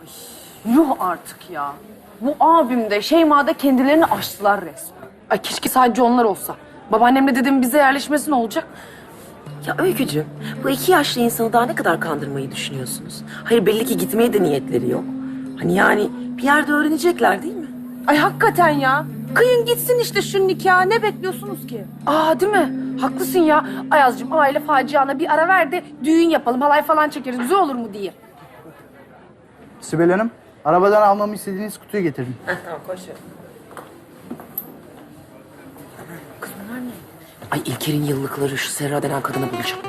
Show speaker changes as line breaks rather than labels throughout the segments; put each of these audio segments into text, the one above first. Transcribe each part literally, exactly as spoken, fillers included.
Yuh artık ya. Bu abim de Şeyma da kendilerini aştılar resmen.
Ay keşke sadece onlar olsa. Babaannemle dedemin bize yerleşmesi ne olacak?
Ya Öykücüğüm, bu iki yaşlı insanı daha ne kadar kandırmayı düşünüyorsunuz? Hayır belli ki gitmeye de niyetleri yok. Hani yani bir yerde öğrenecekler değil mi?
Ay hakikaten ya. Kıyın gitsin işte şu nikahı. Ne bekliyorsunuz ki?
Aa değil mi? Haklısın ya. Ayaz'cığım aile faciana bir ara ver de düğün yapalım, halay falan çekeriz. Güzel olur mu diye.
Sibel Hanım, arabadan almamı istediğiniz kutuyu getirdim.
Heh, tamam koş. Ay İlker'in yıllıkları şu Serra denen kadını bulacağım.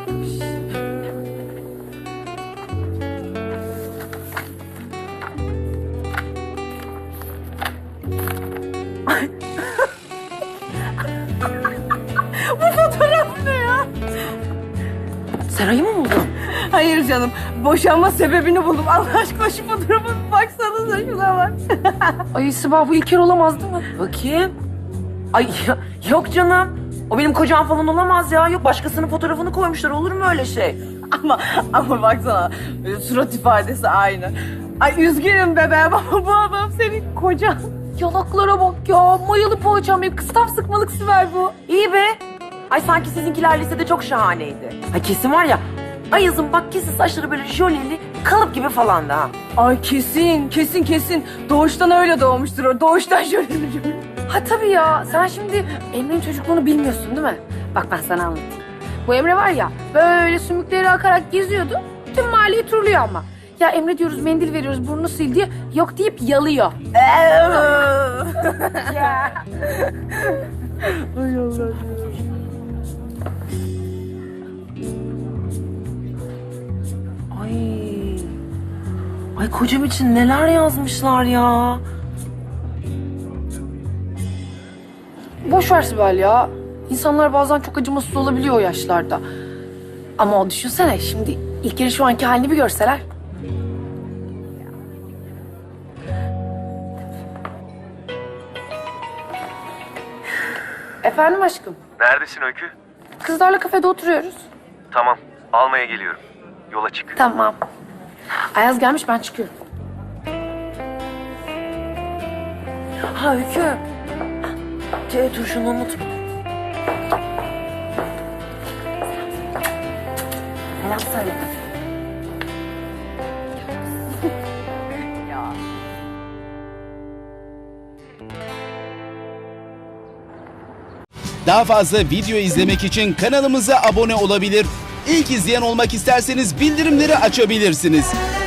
Fotoğraf ne ya?
Serra'yı mı buldun?
Hayır canım. Boşanma sebebini buldum. Allah aşkına şu fotoğrafa bir baksanıza şuna bak.
Ay Sibel bu İlker olamaz değil mi?
Bakayım. Ay ya- yok canım. O benim kocam falan olamaz ya. Yok başkasının fotoğrafını koymuşlar. Olur mu öyle şey?
ama ama baksana. Surat ifadesi aynı. Ay üzgünüm bebeğim ama bu adam senin kocan.
Yanaklara bak ya. Mayalı poğaçam ya. Kıstaf sıkmalık Sibel bu.
İyi be. Ay sanki sizinkiler lisede çok şahaneydi. Ay kesin var ya. Ayaz'ın bak kesin saçları böyle jöleli, kalıp gibi falan da ha.
Ay kesin, kesin kesin. Doğuştan öyle doğmuştur o. Doğuştan şöyle şöyle.
Ha tabii ya. Sen şimdi Emre'nin çocukluğunu bilmiyorsun değil mi? Bak ben sana anlatayım. Bu Emre var ya böyle sümükleri akarak geziyordu. Tüm mahalleyi turluyor ama. Ya Emre diyoruz mendil veriyoruz burnunu sil diye. Yok deyip yalıyor. Ya.
Ay Allah.
Ay. Ay kocam için neler yazmışlar ya.
Boş ver Sibel ya. İnsanlar bazen çok acımasız olabiliyor o yaşlarda. Ama o düşünsene şimdi İlker'in şu anki halini bir görseler. Efendim aşkım.
Neredesin Öykü?
Kızlarla kafede oturuyoruz.
Tamam, almaya geliyorum. Yola çık.
Tamam. Ayaz gelmiş ben çıkıyorum.
Ha Öykü. C turşunu unutma. Selam söyle.
Daha fazla video izlemek için kanalımıza abone olabilir. İlk izleyen olmak isterseniz bildirimleri açabilirsiniz.